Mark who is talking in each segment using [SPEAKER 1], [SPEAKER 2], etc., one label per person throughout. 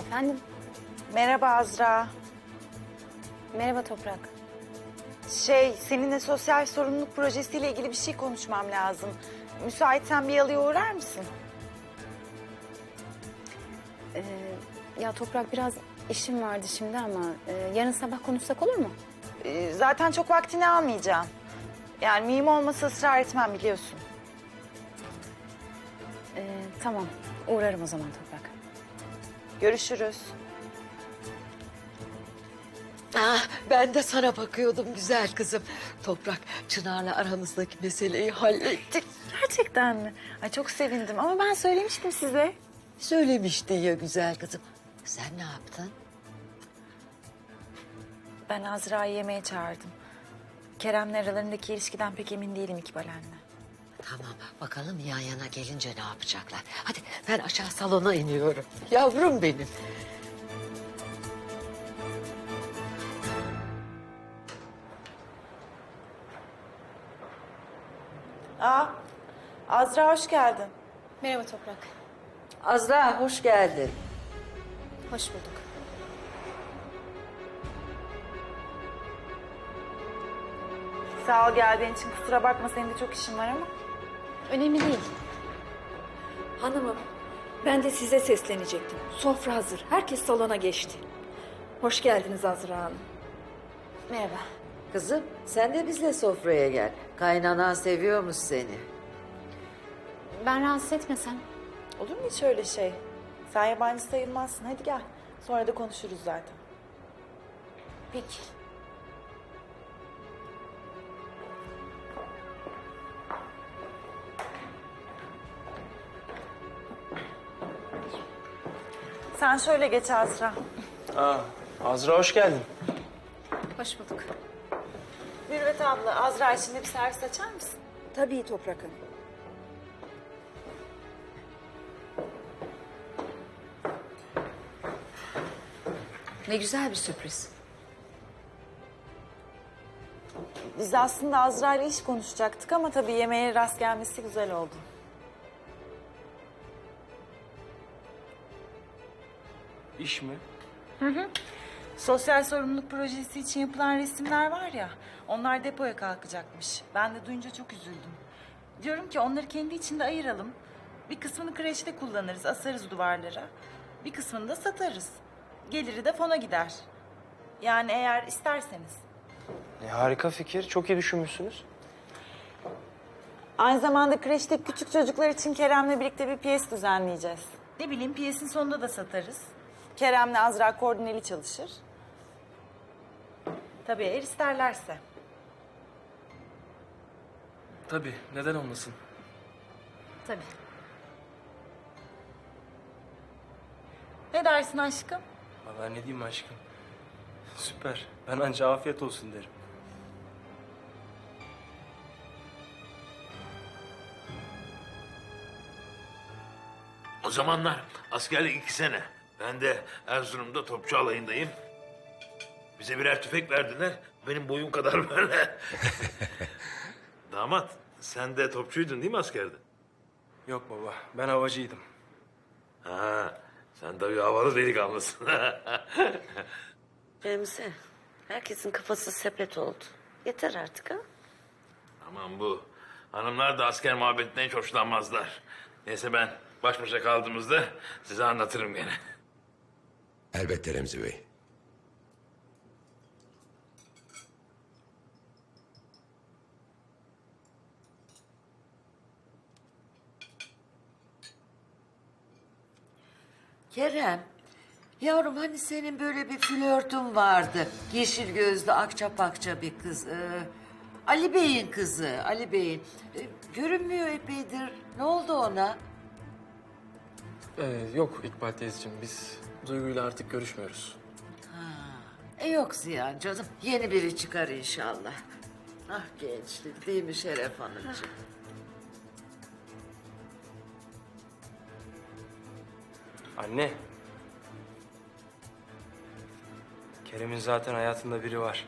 [SPEAKER 1] Efendim?
[SPEAKER 2] Merhaba Azra.
[SPEAKER 1] Merhaba Toprak.
[SPEAKER 2] Seninle sosyal sorumluluk projesiyle ilgili bir şey konuşmam lazım. Müsaitsen bir yalıya uğrar mısın?
[SPEAKER 1] Ya Toprak biraz işim vardı şimdi ama yarın sabah konuşsak olur mu?
[SPEAKER 2] Zaten çok vaktini almayacağım. Yani mühim olmasa ısrar etmem biliyorsun.
[SPEAKER 1] Tamam, uğrarım o zaman Toprak.
[SPEAKER 2] Görüşürüz.
[SPEAKER 3] Ah, ben de sana bakıyordum güzel kızım. Toprak, Çınar'la aramızdaki meseleyi hallettik.
[SPEAKER 2] Gerçekten mi? Ay çok sevindim ama ben söylemiştim size.
[SPEAKER 3] Söylemişti ya güzel kızım. Sen ne yaptın?
[SPEAKER 2] Ben Azra'yı yemeğe çağırdım. Kerem'le aralarındaki ilişkiden pek emin değilim İkbal anne.
[SPEAKER 3] Tamam, bakalım yan yana gelince ne yapacaklar. Hadi ben aşağı salona iniyorum. Yavrum benim.
[SPEAKER 2] Azra hoş geldin.
[SPEAKER 1] Merhaba Toprak.
[SPEAKER 3] Azra, hoş geldin.
[SPEAKER 1] Hoş bulduk.
[SPEAKER 2] Sağ ol geldiğin için, kusura bakma senin de çok işin var ama.
[SPEAKER 1] Önemli değil.
[SPEAKER 4] Hanımım, ben de size seslenecektim. Sofra hazır. Herkes salona geçti. Hoş geldiniz Azra Hanım.
[SPEAKER 1] Merhaba.
[SPEAKER 3] Kızım, sen de bizle sofraya gel. Kaynanan seviyormuş seni.
[SPEAKER 1] Ben rahatsız etmesem.
[SPEAKER 2] Olur mu hiç öyle şey? Sen yabancı sayılmazsın. Hadi gel. Sonra da konuşuruz zaten.
[SPEAKER 1] Peki.
[SPEAKER 2] Sen şöyle geç Azra.
[SPEAKER 5] Azra hoş geldin.
[SPEAKER 1] Hoş bulduk.
[SPEAKER 2] Mürvet abla, Azra için de bir servis açar mısın?
[SPEAKER 4] Tabii Toprak Hanım.
[SPEAKER 3] Ne güzel bir sürpriz.
[SPEAKER 2] Biz aslında Azra ile iş konuşacaktık ama tabii yemeğe rast gelmesi güzel oldu.
[SPEAKER 5] İş mi?
[SPEAKER 2] Sosyal sorumluluk projesi için yapılan resimler var ya, onlar depoya kalkacakmış. Ben de duyunca çok üzüldüm. Diyorum ki onları kendi içinde ayıralım. Bir kısmını kreşte kullanırız, asarız duvarlara. Bir kısmını da satarız. Geliri de fona gider. Yani eğer isterseniz.
[SPEAKER 5] Harika fikir. Çok iyi düşünmüşsünüz.
[SPEAKER 2] Aynı zamanda kreşteki küçük çocuklar için Kerem'le birlikte bir piyes düzenleyeceğiz. Ne bileyim, piyesin sonunda da satarız. Kerem'le Azra koordineli çalışır. Tabii eğer isterlerse.
[SPEAKER 5] Tabii. Neden olmasın?
[SPEAKER 1] Tabii.
[SPEAKER 2] Ne dersin aşkım?
[SPEAKER 5] Vallahi ne diyeyim aşkım. Süper. Ben anca afiyet olsun derim.
[SPEAKER 6] O zamanlar askerlik 2 sene. Ben de Erzurum'da topçu alayındayım. Bize birer tüfek verdiler. Benim boyum kadar böyle. Damat, sen de topçuydun değil mi askerde?
[SPEAKER 5] Yok baba. Ben havacıydım.
[SPEAKER 6] Ha, sen tabii havalı delikanlısın.
[SPEAKER 3] Remzi, herkesin kafası sepet oldu. Yeter artık ha.
[SPEAKER 6] Aman bu. Hanımlar da asker muhabbetinden hiç hoşlanmazlar. Neyse ben baş başa kaldığımızda size anlatırım gene.
[SPEAKER 7] Elbette Remzi Bey.
[SPEAKER 3] Kerem, yavrum hani senin böyle bir flörtün vardı. Yeşil gözlü, akça pakça bir kız. Ali Bey'in kızı, Ali Bey'in. Görünmüyor epeydir. Ne oldu ona?
[SPEAKER 5] Yok İkbal teyzeciğim. Biz Duygu'yla artık görüşmüyoruz.
[SPEAKER 3] Yok Ziyan canım. Yeni biri çıkar inşallah. Ah gençlik değil mi Şeref Hanımcığım?
[SPEAKER 5] Anne. Kerem'in zaten hayatında biri var.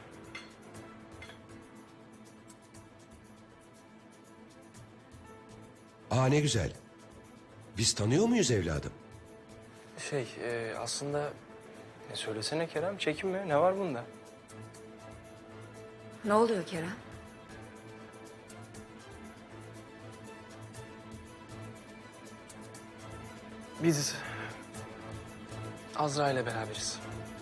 [SPEAKER 7] Aa ne güzel. Biz tanıyor muyuz evladım?
[SPEAKER 5] Aslında söylesene Kerem, çekinme. Ne var bunda?
[SPEAKER 4] Ne oluyor Kerem?
[SPEAKER 5] Biz Azra ile beraberiz.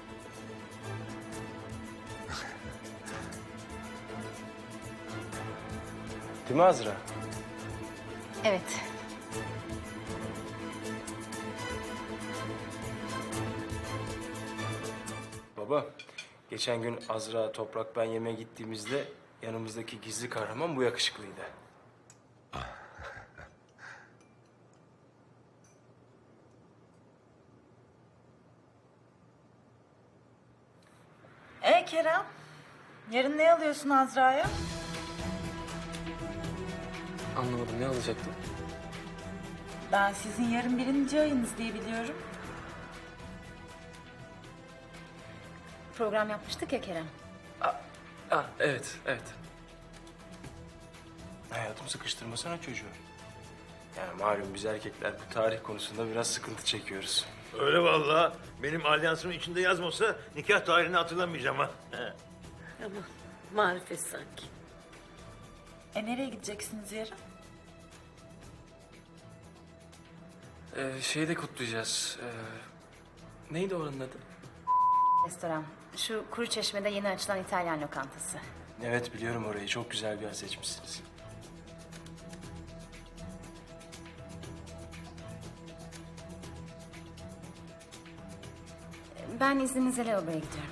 [SPEAKER 5] Değil mi Azra?
[SPEAKER 1] Evet.
[SPEAKER 5] Baba, geçen gün Azra, Toprak, ben yemeğe gittiğimizde yanımızdaki gizli kahraman bu yakışıklıydı.
[SPEAKER 2] Kerem, yarın ne alıyorsun Azra'ya?
[SPEAKER 5] Anlamadım, ne alacaktın?
[SPEAKER 2] Ben sizin yarın 1. ayınız diye biliyorum.
[SPEAKER 1] Program yapmıştık ya Kerem.
[SPEAKER 5] Evet. Hayatım, sıkıştırmasana çocuğu. Yani malum biz erkekler bu tarih konusunda biraz sıkıntı çekiyoruz.
[SPEAKER 6] Öyle vallahi. Benim alyansımın içinde yazmasa nikah tarihini hatırlamayacağım ha.
[SPEAKER 3] Ama marifet sanki.
[SPEAKER 2] Nereye gideceksiniz yarın?
[SPEAKER 5] Şeyi de kutlayacağız. Neydi oranın adı?
[SPEAKER 1] Restoran. Şu Kuruçeşme'de yeni açılan İtalyan lokantası.
[SPEAKER 5] Evet, biliyorum orayı. Çok güzel bir yer seçmişsiniz.
[SPEAKER 1] Ben izninizle lavaboya gidiyorum.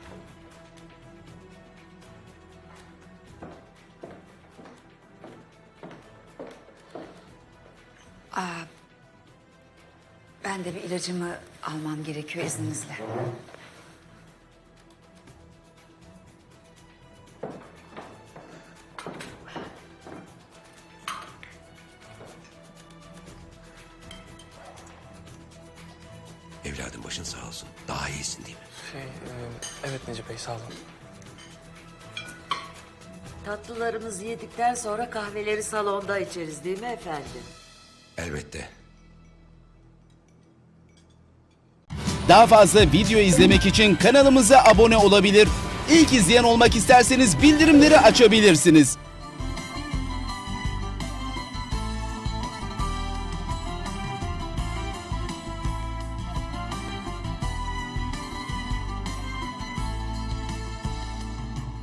[SPEAKER 8] Ben de bir ilacımı almam gerekiyor izninizle.
[SPEAKER 7] Evladım başın sağ olsun. Daha iyisin değil mi?
[SPEAKER 5] Evet Necip Bey, sağ olun.
[SPEAKER 3] Tatlılarımızı yedikten sonra kahveleri salonda içeriz değil mi efendim?
[SPEAKER 7] Elbette.
[SPEAKER 9] Daha fazla video izlemek için kanalımıza abone olabilir. İlk izleyen olmak isterseniz bildirimleri açabilirsiniz.